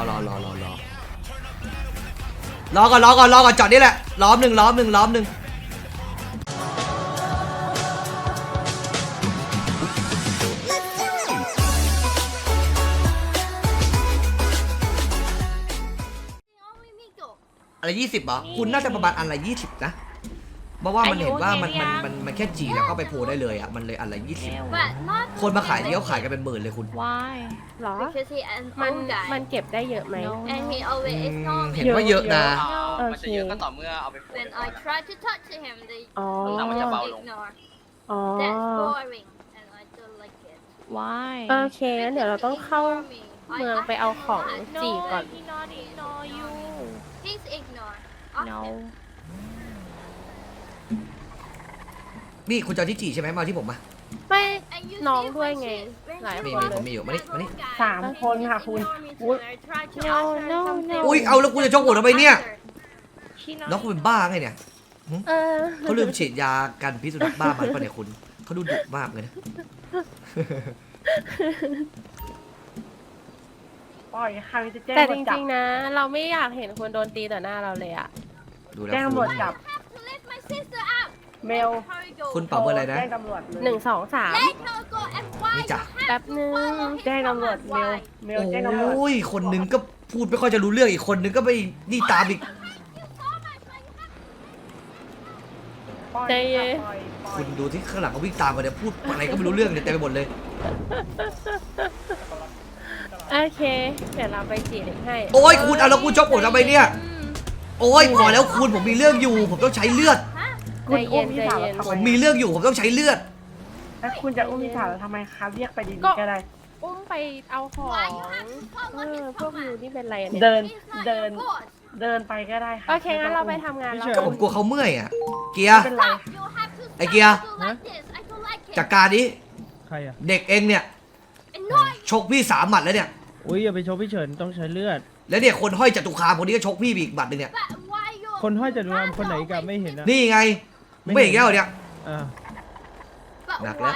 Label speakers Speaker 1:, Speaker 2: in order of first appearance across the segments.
Speaker 1: ก่อนจอดนี่แหละล้อมหนึ่งอะไร20เหรอคุณน่าจะประมาณอันละ20นะเพราะว่ามันเห็นว่ามันแค่จีแล้วก็ไปโพลได้เลยอ่ะมันเลยอันละ20คนมาขายเลี้ยวขายกันเป็นหมื่นเลยคุณ
Speaker 2: Why
Speaker 3: หรอ มันเก็บได้เยอะไหม
Speaker 1: เห็นว่าเยอะนะ
Speaker 4: มันจะเยอะก็ต่อเมื่อเอาไปโพส
Speaker 3: อ๋อ
Speaker 4: แล้วมันจะเบาลง
Speaker 3: อ๋อ
Speaker 2: Why
Speaker 3: โอเคงั้นเดี๋ยวเราต้องเข้าเมืองไปเอาของจีก่อน
Speaker 2: he not ignore you no
Speaker 1: นี่คุณจะเอาที่จีใช่ไหมมาที่ผมมา
Speaker 3: ไม่น้องด้วยไง หลายคนเลย
Speaker 1: ผมมีอยู่มานี่
Speaker 3: 3 คนค่ะคุณอุ๊ย
Speaker 2: no no no
Speaker 1: อุ้ยเอาแล้วกูจะชกหัวทำไมเนี่ย
Speaker 2: he not
Speaker 1: น้องคุณเป็นบ้าไงเนี่ย
Speaker 3: เออ
Speaker 1: เขาลืมฉีดยากันพิษสุนัขบ้ามาหรือเปล่าเนี่ยคุณเขาดูดุมากเลยนะ
Speaker 5: ปล่อยใครจะแจ้ง
Speaker 3: แต่
Speaker 5: ตำร
Speaker 3: จ
Speaker 5: วจจับ
Speaker 3: ริงๆนะ เราไม่อยากเห็นคนโดนตีต่อหน้าเราเลยอะ
Speaker 1: ดูแล้ว
Speaker 5: แจ้งตำรวจจับเมล
Speaker 1: คุณเป่าเบอร์อะไรนะ
Speaker 5: แจ้งตำรวจเลย
Speaker 3: 1 2 3
Speaker 1: นี่จ้ะ
Speaker 3: แป๊บนึง
Speaker 5: แจ้งตำรวจเมลแจ้งตำรวจ
Speaker 1: โอ้ยคนหนึงก็พูดไม่ค่อยจะรู้เรื่องอีกคนหนึงก็ไปนี่ตามอีก
Speaker 5: ปล่อย
Speaker 3: ใจเย็น
Speaker 5: ปล่อย
Speaker 1: คุณดูที่ข้างหลังเขาวิ่งตามมาเนี่ยพูดอะไรก็ไม่รู้เรื่องเนี่ยเต็มไปหมดเลย
Speaker 3: โอเค เดี๋ยวเราไปจีเด็กให้
Speaker 1: โอ้ยคุณเอาแล้วคุณชกผมทำไมเนี่ยโอ้ยพอแล้วคุณผมมีเรื่องอยู่ ผมต้องใช้เลือด
Speaker 5: คุณอุ้มพี่สาวเราทำ
Speaker 1: ผ
Speaker 5: ไม
Speaker 1: มมีเรื่องอยู่ผมต้องใช้เลือด
Speaker 5: แล้วคุณจะอุ้มพี่สาวเราทำไมคะเรียกไปดีๆก็ได้
Speaker 3: อุ้มไปเอาของพวกยูนี่เป็นไรอะเนี่ย
Speaker 5: เดินไปก็ได้ค่ะ
Speaker 3: โอเคงั้นเราไปทำงานแล้ว
Speaker 1: ก็ผมกลัวเขาเมื่อยอ่ะเกียร์
Speaker 5: ไม่เป็นไร
Speaker 1: ไอ้เกียร์จัดการนี้
Speaker 6: ใครอ่ะ
Speaker 1: เด็กเองเนี่ยชกพี่3 หมัดแล้วเนี่ย
Speaker 6: อุ้ยอย่าไปชกพี่เฉินต้องใช้เลือด
Speaker 1: แล้วเนี่ยคนห้อยจตุคามคนนี้ก็ชกพี่อีกหมัดหนึ่งเนี่ย
Speaker 6: คนห้อยจะดูนำคนไหนกันไม่เห็นนะ
Speaker 1: นี่ไงไม่เห็นแก้วเนี่ย
Speaker 6: อ่า
Speaker 1: หนักแล้ว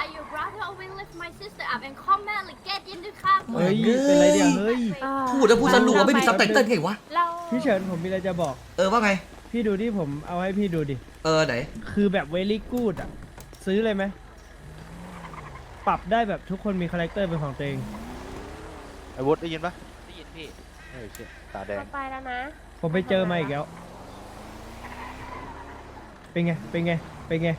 Speaker 6: เฮ้ยเป็นไรเนี่ยเฮ้ย
Speaker 1: พูดแล้วพูดสนุกไม่มีซับไตเติ้ลไงวะ
Speaker 3: เรา
Speaker 6: พี่เฉินผมมีอะไรจะบอก
Speaker 1: ว่าไง
Speaker 6: พี่ดูที่ผมเอาให้พี่ดูดิ
Speaker 1: ไหน
Speaker 6: คือแบบเวลี่กูดอ่ะซื้อเลยไหมปรับได้แบบทุกคนมีคาแรคเตอร์เป็นของตัวเอง
Speaker 7: ไอ้วุฒิได้ยินปะ
Speaker 4: ได้ยินพี่
Speaker 7: เฮ้ยเชี่ยตาแดง
Speaker 3: ไปแล้วนะ
Speaker 6: ผมไปเจอมาอีกแล้วเป็นไงเป็นไงเป็นไง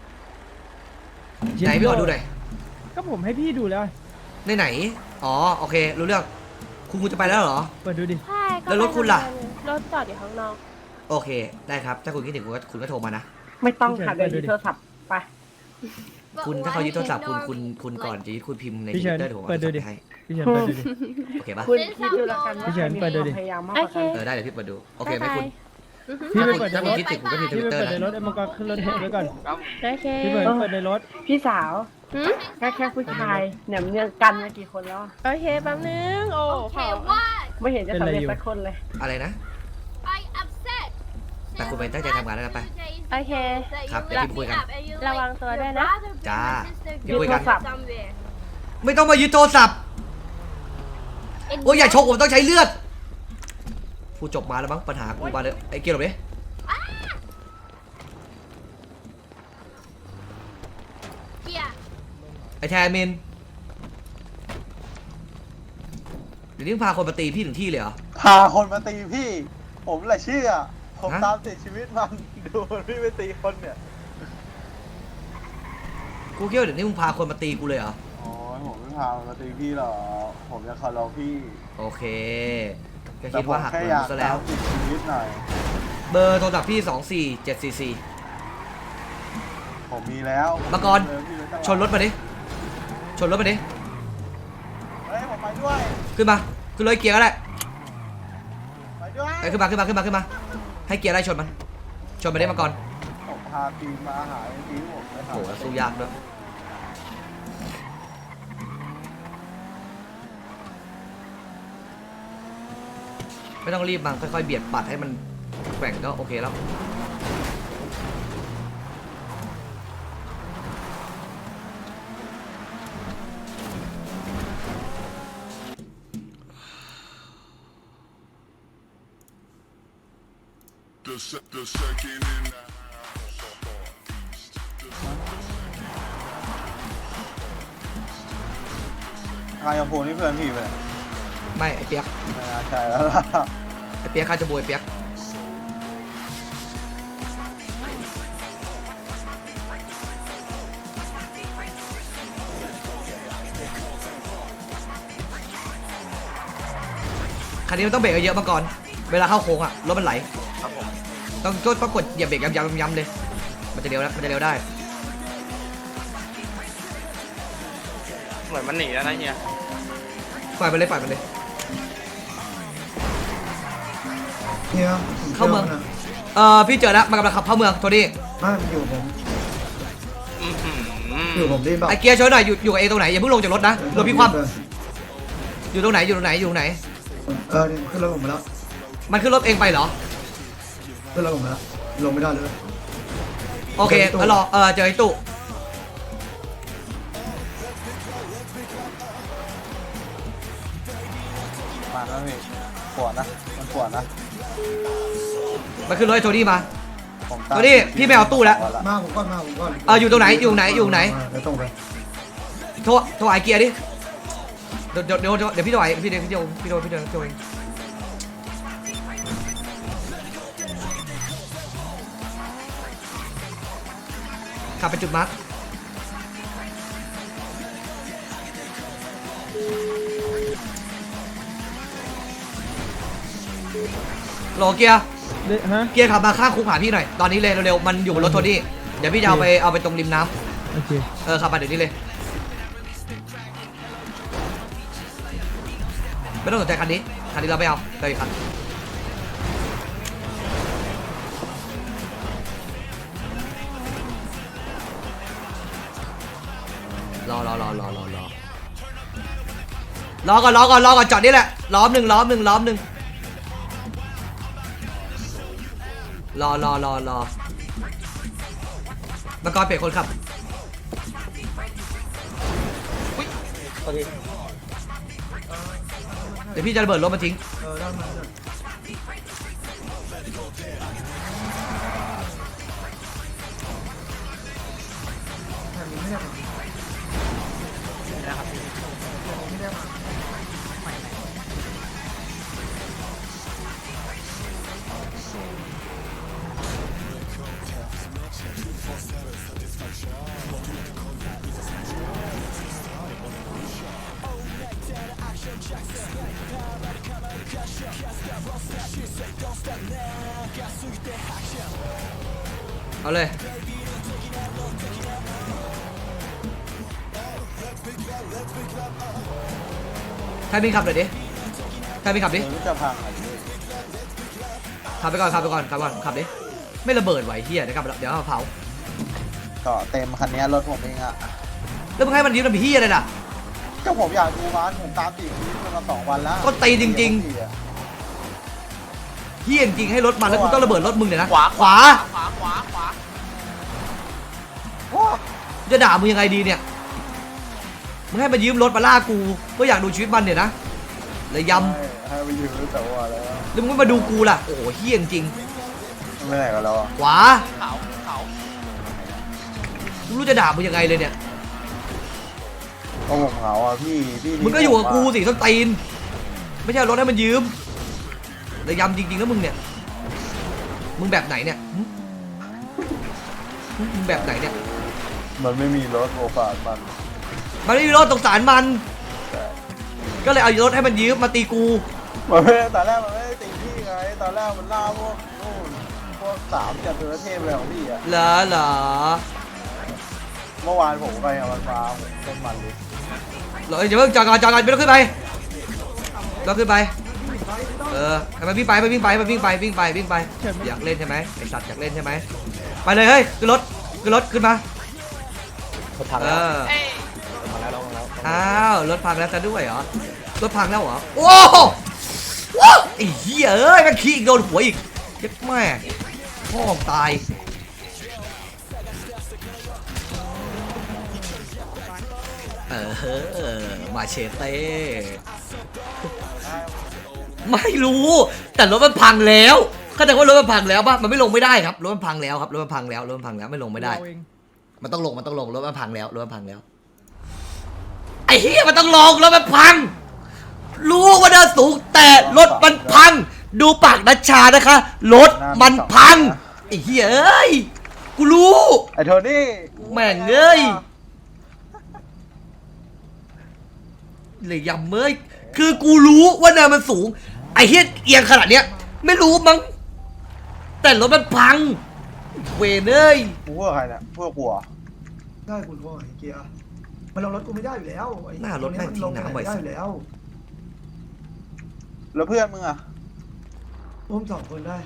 Speaker 1: ไหนพี่ขอดูหน่อย
Speaker 6: ก็ผมให้พี่ดูแล้ว
Speaker 1: ไหนอ๋อโอเครู้เรื่องคุณจะไปแล้วเหรอ
Speaker 6: เปิดดูดิ
Speaker 3: ใช่ก็
Speaker 1: แล้วรถคุณล่ะ
Speaker 3: รถจอดอยู่ข้างนอก
Speaker 1: โอเคได้ครับถ้าคุณคิดถึงคุณก็โทรมานะ
Speaker 5: ไม่ต้องค่ะเดี๋ยวยึดโทรศัพท์ไป
Speaker 1: คุณถ้าเขายึดโทรศัพท์คุณก่อนจะยึดคุณพิมพ์ใน
Speaker 6: พี่
Speaker 1: ท
Speaker 6: เฉิ
Speaker 1: วิต
Speaker 6: น
Speaker 1: เตอร์เดี๋ยวผม
Speaker 6: เปิ
Speaker 1: เอา
Speaker 6: ดดู
Speaker 1: ไป
Speaker 6: ดิ
Speaker 1: ให้
Speaker 6: พี่เฉินเปิดดูดิ
Speaker 1: โอเคปะ
Speaker 5: คุณคิดดูแล้วกันว่า
Speaker 6: พี่เฉินเปิดดูดิ
Speaker 5: พยายามมากกว่ากัน
Speaker 1: ได้เดี๋ยวพี่เปิดดูโอเคไหมคุณ
Speaker 6: พี่ไปเปิดใน
Speaker 1: ถ้าร คุณ
Speaker 6: ถ
Speaker 1: คิดถึงคุณก็พิมพ์ท
Speaker 6: พี่
Speaker 1: วิต
Speaker 6: ไป
Speaker 1: เตอร์
Speaker 6: เปิดในร
Speaker 1: นะ
Speaker 6: ถไอ้มังกรขึ้นรถให้ด้วยก่อน
Speaker 3: โอเค
Speaker 6: พี่เปิดในรถ
Speaker 5: พี่สาว
Speaker 3: หืม
Speaker 5: แค่ผู้ชายเนี่ยเนื่องกันมากี่คนแล้ว
Speaker 3: โอเคแป๊บนึง โอ้ขอ
Speaker 5: ไม่เห็นจะสำเร็จสักคนเลย
Speaker 1: อะไรนะแต่คุณไปตั้งใจทำงานแล้วกันไป
Speaker 3: โอเค
Speaker 1: ครับเดี๋ยวพี่คุยกัน
Speaker 3: ระวังตัวด้วยนะ
Speaker 1: จ้า
Speaker 5: ยึดโทรศัพท์
Speaker 1: ไม่ต้องมายึดโทรศัพท์โอ้ยอย่าชกผมต้องใช้เลือดพูดจบมาแล้วมั้งปัญหากูมาเลยไอ้เกียร์หลบดิไอ้แทมินเดี๋ยวนี้พาคนมาตีพี่ถึงที่เลยเหรอ
Speaker 7: พาคนมาตีพี่ ผมแหละเชื่อ ผม
Speaker 1: ฮะ
Speaker 7: ตามติดชีวิตมันดูมันพี่ไปตีคนเนี่ย
Speaker 1: กูคิดว่าเดี๋ยวนี้มึงพาคนมาตีกูเลยเหรอ
Speaker 7: โอ้ยผมไม่พามาตีพี่หรอกผมจะเคารพพี่
Speaker 1: โอเคก็
Speaker 7: แต่
Speaker 1: คิด
Speaker 7: ผม
Speaker 1: ว่าหัก
Speaker 7: แค่
Speaker 1: เงิ
Speaker 7: อน ยาก
Speaker 1: ซะ
Speaker 7: ตา
Speaker 1: แล้ว
Speaker 7: มติดชีวิตหน่อย
Speaker 1: เบอร์โทรศัพท์พี่24744
Speaker 7: ผมมีแล้ว
Speaker 1: มาก่อน
Speaker 7: เจพี่ไว้ตลอด
Speaker 1: ชนรถมาดิชนรถมาดิ
Speaker 7: เฮ้ยผมไปด้วย
Speaker 1: ขึ้นมาขึ้นเลยเกียร์ก็ได้
Speaker 7: ไปด้วย
Speaker 1: ไอ้ขึ้นมาให้เกียร์ไล่ชนมันชนมาได้มาก่อน
Speaker 7: ผมพาทีมมาหาทีมผมไปหา
Speaker 1: โหสู้ยากด้วยไม่ต้องรีบมาค่อยๆเบียดปัดให้มันแกว่งก็โอเคแล้ว
Speaker 7: คายาโพนี่เพื่อนพี่ไปไหน
Speaker 1: ไม่ไอเปียก
Speaker 7: ไม่น่าใช่แล้วล่ะ
Speaker 1: ไอเปียกข้าจะบวยเปียกคันนี้มันต้องเบรกเยอะๆมาก่อน เวลาเข้าโค้งอะรถมันไหล
Speaker 4: ครับผม
Speaker 1: ต้องกดเหยียบเบรกย้ำๆเลย มันจะเร็วแล้วมันจะเร็วได้
Speaker 4: เหมือนมันหนีแล้วนะเฮีย
Speaker 1: ปล่อยไปเลยปล่อยไปเลย
Speaker 8: เนี่ย
Speaker 1: เข้าเมือง พี่เจอแล้วมันกำลังขับเข้าเมืองโทนี่
Speaker 8: บ้านอยู่ผม
Speaker 4: อื้อหือ
Speaker 8: อยู่ผมได้แบบ
Speaker 1: ไอเกียร์ช่วยหน่อยอยู่กับเอตรงไหนอย่าเพิ่งลงจากรถนะรถพี่คว่ำอยู่ตรงไหนอยู่ตรงไหนอยู่ตรงไหน
Speaker 8: นี่ขึ้นรถผมมาแล้ว
Speaker 1: มันขึ้นรถเองไปเหรอ
Speaker 8: ขึ้นรถผมมาแล้วลงไม่ได้เลย
Speaker 1: โอเคงั้นรอเจอไอ้ตู้
Speaker 7: มาแล้วพี่ปวดนะมันปวดนะ
Speaker 1: มันขึ้นรถไอ้โทนี่มา
Speaker 7: ผม
Speaker 1: โทนี่พี่ไม่เอาตู้แล้ว
Speaker 8: มาผมก่อนมาผมก่อน
Speaker 1: อยู่ตรงไหนอยู่ไหนอยู่ไหน
Speaker 8: เดี๋ยวตรงไป
Speaker 1: โทรไอเกียร์ดิเดี๋ยวพี่โทรไอพี่โทรเองขับไปจุดมาร์คโหลเกียร์
Speaker 6: ฮะ
Speaker 1: เกียร์ขับมาข้างคุกหาพี่หน่อยตอนนี้เลยเร็วๆมันอยู่บนรถโทนี่เดี๋ยวพี่จะเอาไปตรงริมน้
Speaker 6: โอเค
Speaker 1: ำขับมาเดี๋ยวนี้เลยไม่ต้องสนใจคันนี้เราไม่เอาเราอีกคันรอก่อนจอดนี่แหละล้อมหนึ่งรอมังกรเปลี่ยนคนขับเดี๋ยวพี่จะระเบิดรถมาทิ้ง
Speaker 8: ด้านมาไม่ได้ไม่ได้มา
Speaker 1: เอาเลยใครมีขับหน่อยดิใครมีขับดิ
Speaker 7: เดี๋ยวจะพังอ่ะพี่
Speaker 1: ขับไปก่อนขับดิไม่ระเบิดไหวเฮียเดี๋ยวเอาเผา
Speaker 7: ก็เต็มคันนี้รถผมเองอ่ะ
Speaker 1: แล้วมึงให้มันยืมมันเป็นเฮียอะไรล่ะ
Speaker 7: ก็ผมอยากดูร้านผมตามติดนี้มา2 วันแล้ว
Speaker 1: ก็ตีจริง เฮียจริงให้รถมันแล้วกูต้องระเบิดรถมึงเนี่ยนะ
Speaker 4: ขวา
Speaker 1: ขวา
Speaker 7: โอ้
Speaker 1: จะด่ามึงยังไงดีเนี่ยมึงให้มันยืมรถมาล่ากูก็อยากดูชีวิตมันเนี่ยนะเลยย
Speaker 7: ให้ไปยืมแต่ว่าแล้ว
Speaker 1: ำแล้วมึงไม่มาดูกูล่ะโอ้โหเฮียจริง
Speaker 7: ไม่ไหนกันแล้วอ่ะ
Speaker 1: ขวา
Speaker 4: เขา
Speaker 1: ไม่รู้จะด่ามึงยังไงเลยเนี่ย
Speaker 7: ก็ผมเหงาอ่ะพี่
Speaker 1: มึงก็อยู่กับกูสิส้นตีนไม่ใช่เอารถให้มันยืมเลยยำจริงๆแล้วมึงเนี่ยมึงแบบไหนเนี่ยมึงแบบไหนเนี่ย
Speaker 7: มันไม่มีรถโอกาสมัน
Speaker 1: มันไม่มีรถสงสารมัน ก็เลยเอารถให้มันยืมมาตีกู
Speaker 7: มันไม่ตอนแรกมันไม่ได้ตีพี่ไงตอนแรกมันล่าพวกนู่นพวก3จากตัวเทพเลยของพี่อ่ะ
Speaker 1: เหรอ
Speaker 7: เมื่อวานผมไปอ่ะมันมาผมเต้นมันเลย
Speaker 1: อย่าเพิ่งจอดก่อนไม่ต้องขึ้นไปให้มันวิ่งไปอยากเล่นใช่ไหมไอสัตว์อยากเล่นใช่ไหมไปเลยเฮ้ยขึ้นรถขึ้นมาอ้าวรถพังแล้วซะด้วยเหรอรถพังแล้วเหรอโอ้โหไอ้เหี้ยเอ้ยมันขี้อีกโดนหัวอีกเจ็บแม่พ่อตายมาเชเต้ไม่รู้แต่รถมันพังแล้วเข้าใจว่ารถมันพังแล้วป่ะมันไม่ลงไม่ได้ครับรถมันพังแล้วครับรถมันพังแล้วรถมันพังแล้วไม่ลงไม่ได้
Speaker 6: เราเอง
Speaker 1: มันต้องลงรถมันพังแล้วรถมันพังแล้วไอ้เหี้ยมันต้องลงรถมันพัง รู้ว่าเดินสูงแต่รถมันพัง ดูปากนัชชานะคะรถมันพังไอ้เหี้ยเอ้ยกูรู้
Speaker 7: ไอ้โทนี่
Speaker 1: แม่งเอ้ยเลยยำเมยคือกูรู้ว่าเนินมันสูงไอ้เหี้ยเอียงขนาดเนี้ยไม่รู้มั้งแต่รถมันพังเวนเอ้ย
Speaker 7: กูพวกใครเนี่ยพวกกูเหรอ
Speaker 8: ได้คุณพ่อไอ้เกียร์มันลงรถกูไม่ได้อยู่แล้วไอ้
Speaker 1: หน้ารถแม่งทิ้งน้ำบ่อย
Speaker 8: ได้
Speaker 1: สุ
Speaker 8: อ
Speaker 1: ด
Speaker 8: ยู่แล้ว
Speaker 7: แล้วเพื่อนมึงอ่ะ
Speaker 8: อุ้มสองคนได้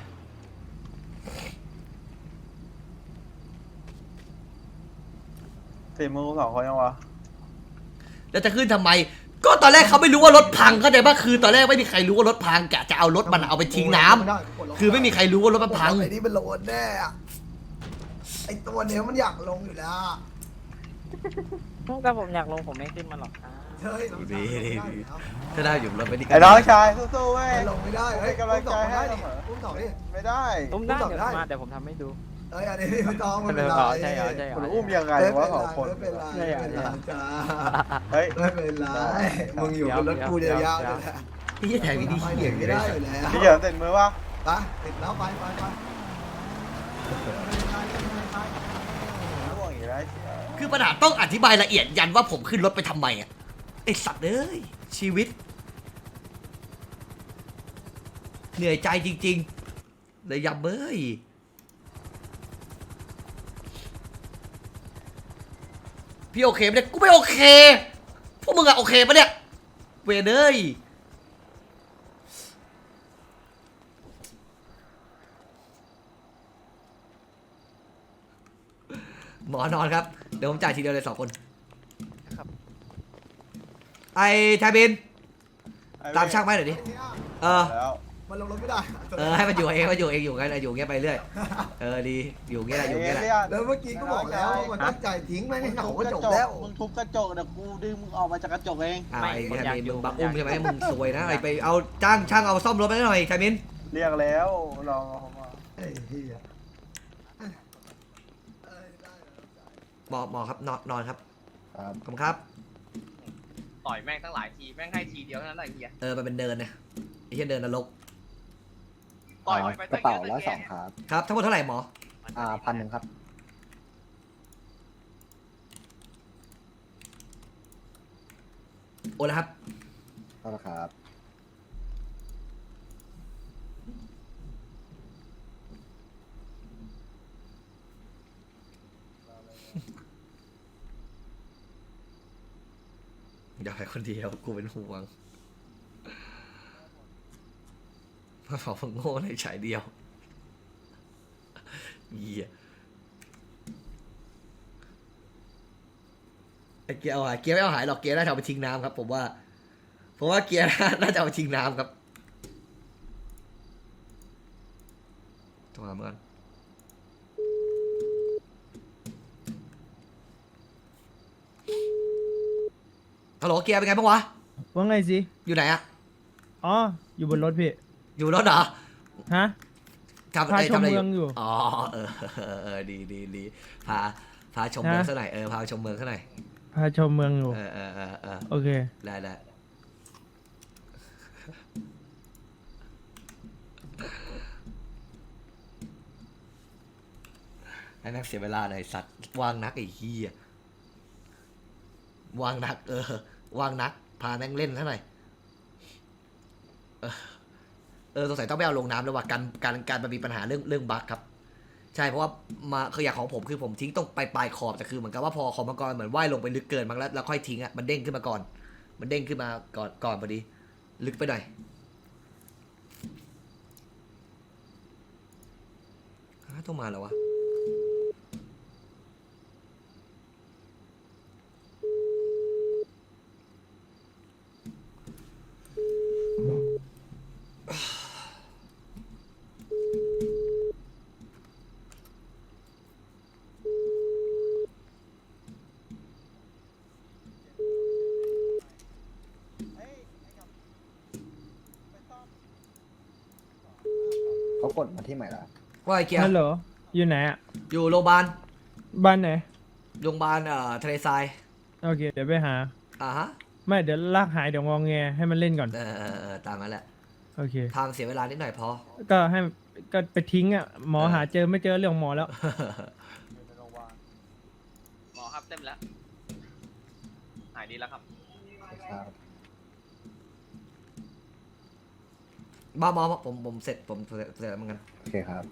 Speaker 7: สี่มึงสองคนยังวะ
Speaker 1: แล้วจะขึ้นทำไม ก็ตอนแรกเขาไม่รู้ว่ารถพังเข้าใจป่ะคือตอนแรกไม่มีใครรู้ว่ารถพังกะจะเอารถมันเอาไปทิ้งน้ำคือไม่มีใครรู้ว่ารถมันพัง
Speaker 8: ไอ้นี่มันโลนแน่อะไอ้ตัวเนี้ยมันอยากลงอยู่แล้ว
Speaker 5: แต่ผมอยากลงผมไม่ขึ้นมาหรอกครับ
Speaker 8: เฮ้ย
Speaker 1: ดีถ้าได้อยู่รถไปดีกั
Speaker 7: ไอ้น้องชายสู้ๆเว้ย
Speaker 8: มันลงไม่ได้เฮ้ย
Speaker 7: เป็นกำลังใจให้เสมอ
Speaker 8: อุ้มสองดิ
Speaker 7: ไม่ได้
Speaker 5: อุ้มได้
Speaker 8: อุ้ม
Speaker 5: เดี๋ยว
Speaker 8: ได้
Speaker 5: มาเดี๋ยวผมทำให้ดู
Speaker 8: เอ้ยอันนี้ไม่ต้องไม่เป็นไร
Speaker 5: ใช่เหรอใช่เหรอ
Speaker 7: คุณอุ้มยังไงวะสองคน
Speaker 8: ไม่เป็นไรไม่เป็นไรจ้า
Speaker 7: เฮ้ย
Speaker 8: ไม่เป็นไรมึงอยู่บนรถกูเดียวยาวเลยแหละ
Speaker 1: ที่แถวนี้
Speaker 8: ไป
Speaker 1: เหี้ย
Speaker 8: ไม่ได้อยู่แล้ว
Speaker 7: พี่เหยินเต็มมือวะ
Speaker 8: ไปติดแล้วไป
Speaker 7: ร่วงอีกแล้ว
Speaker 1: คือปัญหาต้องอธิบายละเอียดยันว่าผมขึ้นรถไปทำไมอ่ะไอสัตว์เอ้ยชีวิต เหนื่อยใจจริงๆเลยยำเอ้ยพี่โอเคไหมเนี่ยกูไม่โอเคพวกมึงอะโอเคปะเนี่ยเวรเอ้ยหมอนอนครับเดี๋ยวผมจ่ายทีเดียวเลย2 คน
Speaker 5: ครับ
Speaker 1: ไอ้ไทบินตามช่างไหมหน่อยดิเออ
Speaker 7: แล้ว
Speaker 8: มันลงรถไม่ได้
Speaker 1: ให้มันอยู่เองอยู่งั้นอยู่เงี้ยไปเรื่อยดีอยู่เงี้ยแหละอยู่เงี้ยแหละ
Speaker 8: แล้วเมื่อกี้ก็บอกแล้วว่ามันตั้งใจทิ้งไม่ให้เหงาก็จบแล้ว
Speaker 7: มึงทุบกระจกเดี๋ยวกูดึงมึงออกมาจากกระจกเอง
Speaker 1: ไอ้ไทบินมึงบักอุ้มใช่ไหมมึงสวยนะไอ้ไปเอาจ้างช่างเอาซ่อมรถไปหน่อยไทบิน
Speaker 7: เรียกแล้วลองเอามา
Speaker 8: ไอ้เหี้ย
Speaker 1: บอกครับนอนครับ
Speaker 7: ครับ
Speaker 1: ขอบคุณครับ
Speaker 4: ต่อยแม่งตั้งหลายทีแม่งให้ทีเดียวเท่านั้นแหละไอ้เฮีย
Speaker 1: มันเป็นเดินนะไอ้เหี้ยเดินนรก
Speaker 4: ต่อยไป
Speaker 9: กระเป๋าละ2ครับ
Speaker 1: ครับทั้งหมดเท่าไหร่หมอ
Speaker 9: 1,000ครับ
Speaker 1: โอนแล้วครับ
Speaker 9: ก็ละครับ
Speaker 1: อย่าไปคนเดียวกูเป็นห่วงมาบอกมึงโง่ในฉายเดียวเหี้ยไอ้เกียร์เอาหายเกียร์ไม่เอาหายหรอกเกียร์น่าจะเอาไปทิ้งน้ำครับผมว่าเกียร์น่าจะเอาไปทิ้งน้ำครับโทรหาเมื่อนฮัลโหลเกียร์เป็นไงบ้างวะ
Speaker 6: ว่าไงสิ
Speaker 1: อยู่ไหนอะ
Speaker 6: อ๋อ อยู่บนรถพี่
Speaker 1: อยู่รถเหรอ
Speaker 6: ฮะ
Speaker 1: ทำ
Speaker 6: พา
Speaker 1: อะไร
Speaker 6: ชม
Speaker 1: ทำอะไร
Speaker 6: เมืองอยู่
Speaker 1: อ๋อดีพาชมเมืองซะหน่อยพาชมเมืองซะหน่อย
Speaker 6: พาชมเมืองอยู่ โอเค
Speaker 1: ได้ให้แม่งเสียเวลาหน่อยสัตว์ว่างนักไอ้เหี้ยว่างนักว่างนักพาแม่งเล่นซะหน่อยสงสัยต้องไปเอาลงน้ำแล้วว่าการมันมีปัญหาเรื่องบั๊กครับใช่เพราะว่ามาคืออย่างของผมคือผมทิ้งตรงปลายขอบแต่คือเหมือนกับว่าพอขอบมังกรเหมือนว่ายลงไปลึกเกินมั้งแล้วค่อยทิ้งอ่ะมันเด้งขึ้นมาก่อนก่อนพอดีลึกไปหน่อยต้องมาแล้ววะ
Speaker 9: เขากดมาที่ใหม่ละ
Speaker 1: ว่าไอ้เกียร์
Speaker 6: ฮัลโหลอยู่ไหนอ่ะ
Speaker 1: อยู่โรงพยาบาล
Speaker 6: บ้านไหน
Speaker 1: โรงพยาบาลทะเลทราย
Speaker 6: โอเคเดี๋ยวไปหา
Speaker 1: ฮะ
Speaker 6: ไม่เดี๋ยวลากหายเดี๋ยวงองแงให้มันเล่นก่อน
Speaker 1: ตามนั้นแหละ
Speaker 6: โอเค
Speaker 1: ทางเสียเวลานิดหน่อยพอ
Speaker 6: ก็ให้ก็ไปทิ้งอ่ะหมอหาเจอไม่เจอเรื่องของหมอแล้ว
Speaker 4: หมอครับเต็มแล้ว หายดีแล้วครับ
Speaker 9: ครับ
Speaker 1: บ้าผมเสร็จผมเสร็จแล้วเหมือนกัน
Speaker 9: โอเคครับ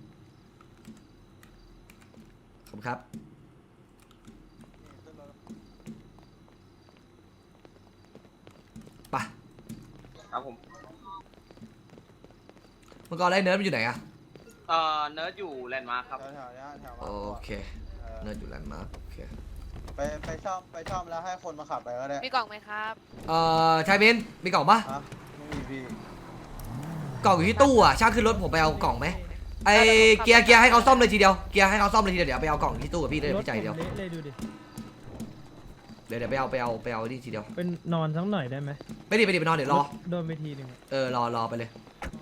Speaker 1: ขอบคุณครับไป
Speaker 4: ครับผม
Speaker 1: เมื่อก่อนไอ้เนิร์ดมันอยู่ไหนอะ
Speaker 4: เนิร์ดอยู่แลนด์มาร์คครับ
Speaker 7: แถวๆเนี้ยแถว
Speaker 1: โอเคเนิร์ดอยู่แลนด์มาร์คโอเค
Speaker 7: ไปซ่อมแล้วให้คนมาขับไปก็ได้
Speaker 2: มีกล่องไหมครับ
Speaker 1: ชายบินมีกล่องปะ
Speaker 7: ฮะไม่มีพี่
Speaker 1: กล่องอยู่ที่ตู้อะช่างขึ้นรถผมไปเอากล่องไหมไอเกียร์ให้เขาซ่อมเลยทีเดียวเกียร์ให้เขาซ่อมเลยทีเดียวเดี๋ยวไปเอากล่องที่ตู้กับพี่เลย
Speaker 6: รถ
Speaker 1: พี่ใจเดียว
Speaker 6: ผมเละเลยดูดิ
Speaker 1: เดี๋ยวไปเอานี่ทีเดียว
Speaker 6: เป็นนอนสักหน่อยได้ไหม
Speaker 1: ไปดิไปนอนเดี๋ยวรอ
Speaker 6: โดนไปทีหนึ่งอะ
Speaker 1: รอไปเลย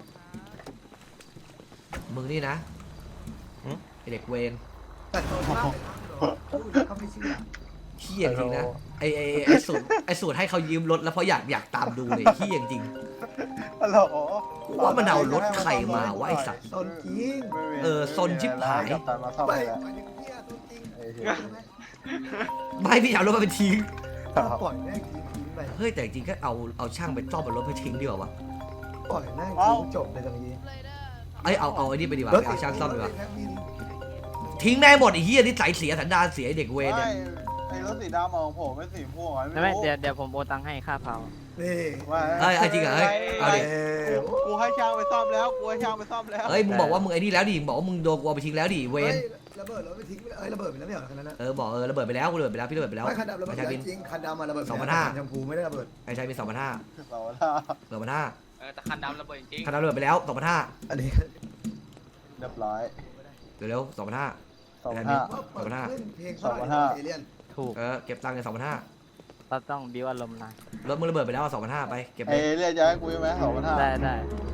Speaker 1: มึงนี่นะไอเด็กเวน
Speaker 8: แต่โดนมากเลยนะเขาไม่เชื่อ
Speaker 1: เฮี้ยจริงนะไอสูตรให้เขายืมรถแล้วเพราะอยากตามดูเลยเฮี้ยจริง
Speaker 7: ฮัลโหล
Speaker 1: กูว่ามันเอารถใครมาวะไอ้สัตว์
Speaker 8: โดนจริง
Speaker 1: ซนชิบหาย
Speaker 7: กับตันมาซ่อม
Speaker 8: ไม่
Speaker 7: ให้แล้ว
Speaker 8: หมายถึงเนี่ยตัวจริง
Speaker 7: ไอ้เหี้ย
Speaker 1: ไม่พี่เอารถมาเป็นทิ้ง
Speaker 8: ต้องปล่อยแม่งทิ้งไป
Speaker 1: เฮ้ยแต่จริงก็เอาช่างไปซ่อมบนรถไปทิ้งดีกว่าวะ
Speaker 8: ปล่อยแม่งทิ้งจบเลยตรงนี้
Speaker 1: เอาไอ้นี่ไปดีกว่า
Speaker 8: รถ
Speaker 1: ไปเอาช่างซ่อมดีกว่า
Speaker 8: แม่งมี
Speaker 1: ทิ้งได้หมดไอ้เฮี้ยนิสัยเสียสันดานเสียไอ้เด็กเวรเนี่ย
Speaker 7: ไอ้รถสีดำของผมไม่สีม่วงอ่ะ
Speaker 10: ไม่เดี๋ยวผมโอนตังค์ให้ค่าเผา
Speaker 8: นี่
Speaker 7: ว่า
Speaker 1: เอ้ยจริงเหรอเฮ้ยเอาดิ
Speaker 7: กูให้ช่างไปซ่อมแล้วกูให้ช่างไปซ่อมแล้ว
Speaker 1: เอ้ยมึงบอกว่ามึงไอ้นี่แล้วดิมึงบอกว่ามึงโดนกูเอาไปทิ้งแล้วดิเว
Speaker 8: เฮ้
Speaker 1: ร
Speaker 8: ยระเบิดรถไปทิ้งไปเลยระเบิดไปแล้วไม่เหรอคันนั้นนะ
Speaker 1: บอกระเบิดไปแล้วกูระเบิดไปแล้วพี่ระเบิดไปแล้ว
Speaker 8: ไม่คันดำระเบิด
Speaker 1: ไอ้ชายบิน
Speaker 8: จริงคันดำมาระเบิด
Speaker 1: 2,500
Speaker 8: ชมพูไม่ได้ระเบิด
Speaker 1: ไอ้ชายบิน2,500
Speaker 7: เราละ
Speaker 4: แต่คันดำระเบิดจริง
Speaker 1: คันนั้นระเบิดไปแล้ว2,500
Speaker 8: อันนี้
Speaker 7: เรียบร้อย
Speaker 1: เร็วๆ2,500
Speaker 7: 2,500
Speaker 8: เล่นเพลงเท่าไหร่
Speaker 7: 2,500
Speaker 8: เอเลี่ยน
Speaker 10: ถูก
Speaker 1: เก็บตังค์กัน2,500
Speaker 10: เราต้องบิวอารมณ์หน่อย
Speaker 1: รถมึงระเบิดไปแล้ว2,500ไปเก็บ
Speaker 7: เอ
Speaker 1: เลย
Speaker 7: เรียกจะให้กูไหม2,500
Speaker 10: ได้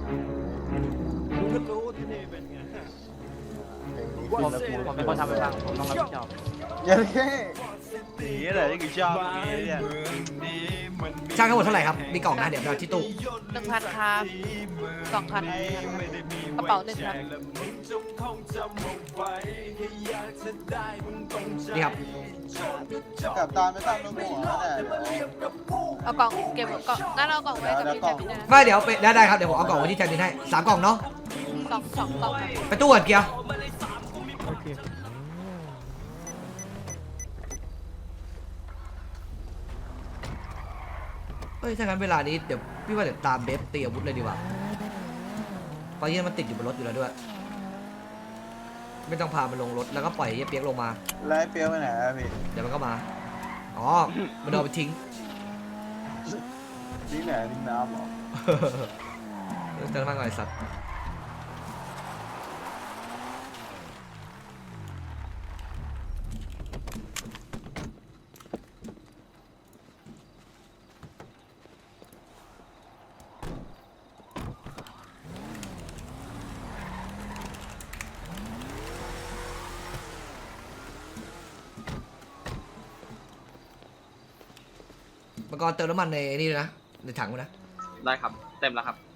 Speaker 10: ผมเป็นคนทำไปบ้างผมต้องรับผิดชอบ
Speaker 7: อย่าเท่
Speaker 4: นี่แหละที่กูชอบเนี่ย
Speaker 1: ช่างทั้งหมดเท่าไหร่ครับมีกล่องนะเดี๋ยวเราที่ตู้
Speaker 2: 1,000 ครับ2,000กระเป๋า1ครับ
Speaker 1: นี่ครับ
Speaker 7: กับตาไม่ตั้งลูกหัวแต่
Speaker 2: เอากล่องเก็บกล่องงั้นเอากล่องไว้กับพี่แจมินนะ
Speaker 1: ไม่เดี๋ยวไปได้ครับเดี๋ยวผมเอากล่องไว้ที่แทนดินให้3กล่องเนาะ
Speaker 2: สองกล่องครับ
Speaker 1: ไปตู้ก่อนเกียร์
Speaker 6: โอเค
Speaker 1: เฮ้ยถ้างั้นเวลานี้เดี๋ยวพี่ว่าเดี๋ยวตามเบฟตีอาวุธเลยดีกว่าเพราะยี่มันติดอยู่บนรถอยู่แล้วด้วย ไม่ต้องพามันลงรถแล้วก็ปล่อยไอ้เปียกลงมา
Speaker 7: ไล่เปียวไปไหนอะพี่
Speaker 1: เดี๋ยวมันก็มา อ๋อ มันเอาไปทิ้ง
Speaker 7: ทิ้งไหนทิ้งน้ำเหรอ
Speaker 1: เติมมากหน่อยสัตว์มังกรเติมน้ำมันในนี่ด้วยนะ ในถังด้วยนะ
Speaker 4: ได้ครับ เต็มแล้วครับ